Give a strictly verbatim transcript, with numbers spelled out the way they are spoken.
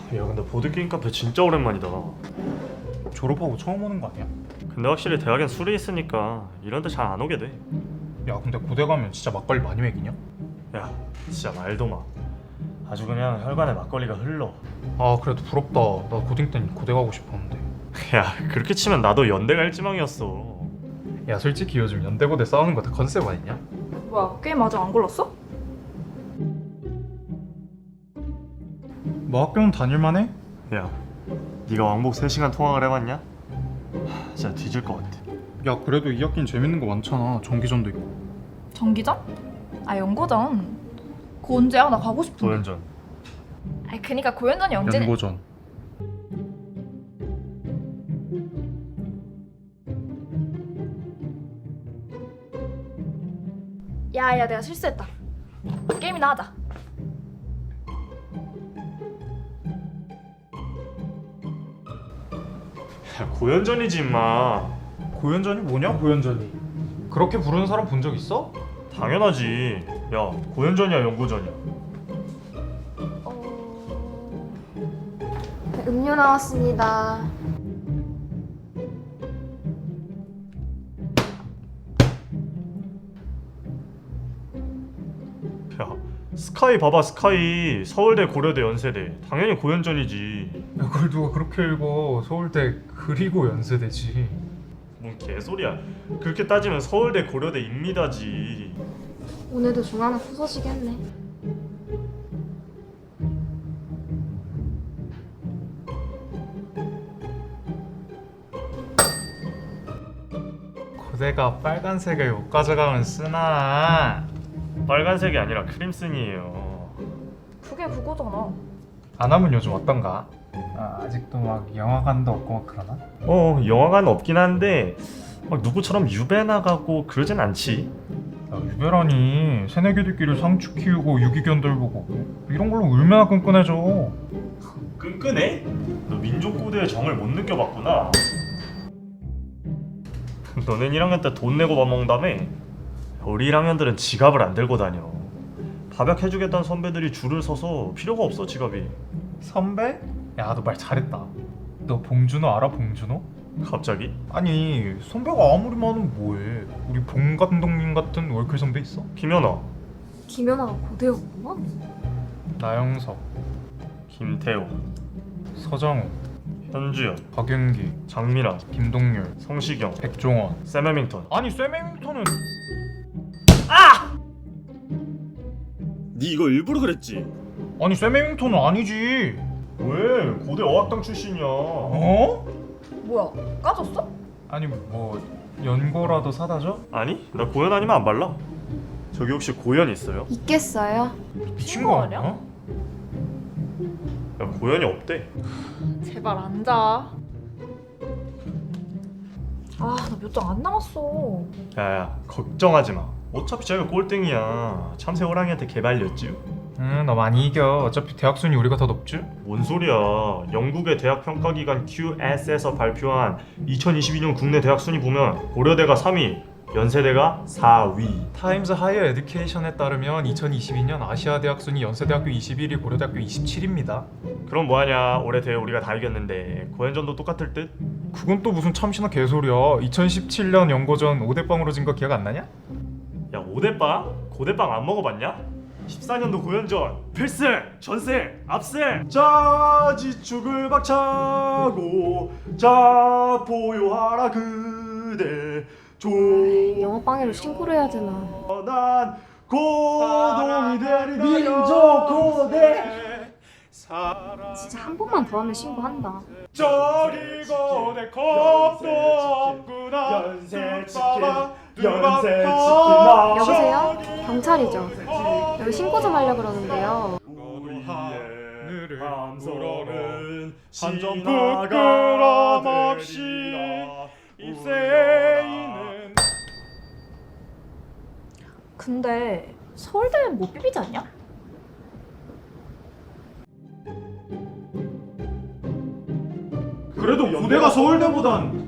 야 근데 보드게임 카페 진짜 오랜만이다. 졸업하고 처음 오는 거 아니야? 근데 확실히 대학엔 술이 있으니까 이런 데 잘 안 오게 돼. 야 근데 고대 가면 진짜 막걸리 많이 먹이냐? 야 진짜 말도 마. 아주 그냥 혈관에 막걸리가 흘러. 아 그래도 부럽다. 나 고딩 땐 고대 가고 싶었는데. 야 그렇게 치면 나도 연대 갈 지망이었어. 야 솔직히 요즘 연대고대 싸우는 거 다 컨셉 아니냐? 뭐야, 게임 아직 안 골랐어? 뭐 학교는 다닐만해? 야 네가 왕복 세 시간 통학을 해봤냐? 하, 진짜 뒤질 것 같아. 야 그래도 이 학기는 재밌는 거 많잖아. 전기전도 있고. 전기전? 아, 연고전. 그거 언제야? 나 가고 싶은데. 도연전. 아니, 그니까 고연전이 언제냐? 연고전. 야, 야, 내가 실수했다. 게임이나 하자. 야 고연전이지 임마. 고연전이 뭐냐 고연전이? 그렇게 부르는 사람 본 적 있어? 당연하지. 야 고연전이야 연고전이야. 어... 네, 음료 나왔습니다. 야 스카이 봐봐 스카이. 서울대 고려대 연세대 당연히 고연전이지. 야 그걸 누가 그렇게 읽어. 서울대 그리고 연세대지. 뭔 개소리야. 그렇게 따지면 서울대 고려대 입니다지. 오늘도 중간에 부서지겠네. 고대가 빨간색을 못 가져가면 쓰나? 빨간색이 아니라 크림슨이에요. 그게 그거잖아. 안 하면 요즘 어떤가? 아, 아직도 막 영화관도 없고 막 그러나? 어 영화관 없긴 한데 막 누구처럼 유배 나가고 그러진 않지. 야, 유배라니 새내기들끼리 상추 키우고 유기견들 보고 이런 걸로 얼마나 끈끈해져. 끈끈해? 너 민족고대의 정을 못 느껴봤구나. 너넨 일 학년 때 돈 내고 밥 먹는다며? 우리 일 학년들은 지갑을 안 들고 다녀. 밥약해주겠다는 선배들이 줄을 서서 필요가 없어 지갑이. 선배? 야 너 말 잘했다. 너 봉준호 알아 봉준호? 갑자기? 아니 선배가 아무리 많으면 뭐해. 우리 봉 감독님 같은 월클 선배 있어? 김연아, 김연아가 고대였구나? 나영석, 김태호, 서장훈, 현주연, 박윤기, 장민아, 김동률, 성시경, 백종원. 샘 해밍턴. 아니 샘 해밍턴은 네 이거 일부러 그랬지? 아니 샘 해밍턴은 아니지. 왜? 고대 어학당 출신이야. 어? 뭐야, 까졌어? 아니 뭐 연고라도 사다 줘? 아니 나 고연 아니면 안 발라. 저기 혹시 고연 있어요? 있겠어요? 미친 거 아니야? 야 고연이 없대. 제발 앉아. 아, 나 몇 장 안 남았어. 야야 걱정하지 마. 어차피 제가 꼴등이야. 참새 호랑이한테 개발렸지. 응, 너 많이 이겨. 어차피 대학 순위 우리가 더 높지? 뭔 소리야. 영국의 대학 평가기관 큐에스에서 발표한 이천이십이 년 국내 대학 순위 보면 고려대가 삼 위, 연세대가 사 위. 타임즈 하이어 에듀케이션에 따르면 이천이십이 년 아시아 대학 순위 연세대학교 이십일 위, 고려대학교 이십칠 위입니다. 그럼 뭐하냐. 올해 대회 우리가 다 이겼는데 고연전도 똑같을 듯? 그건 또 무슨 참신한 개소리야. 이천십칠 년 연고전 오 대 영으로 진 거 기억 안 나냐? 야 오대빵? 고대빵 안 먹어봤냐? 십사 년도 고연전 필승! 전승! 압승! 자 지축을 박차고 자 보유하라 그대 영어방해로 신고를 해야 되나? 조난 고동이 되리라 민족 고대 진짜 한 번만 더 하면 신고한다. 저기 고대 겁도 없구나 연세 치킨 연세 치킨 여보세요? 경찰이죠? 여기 신고 좀 하려고 그러는데요. 우리의 함성은 한 점 신화가 부끄럼 없이 되리라. 입새이는 근데 서울대는 못 비비지 않냐? 그래도 고대가 서울대보단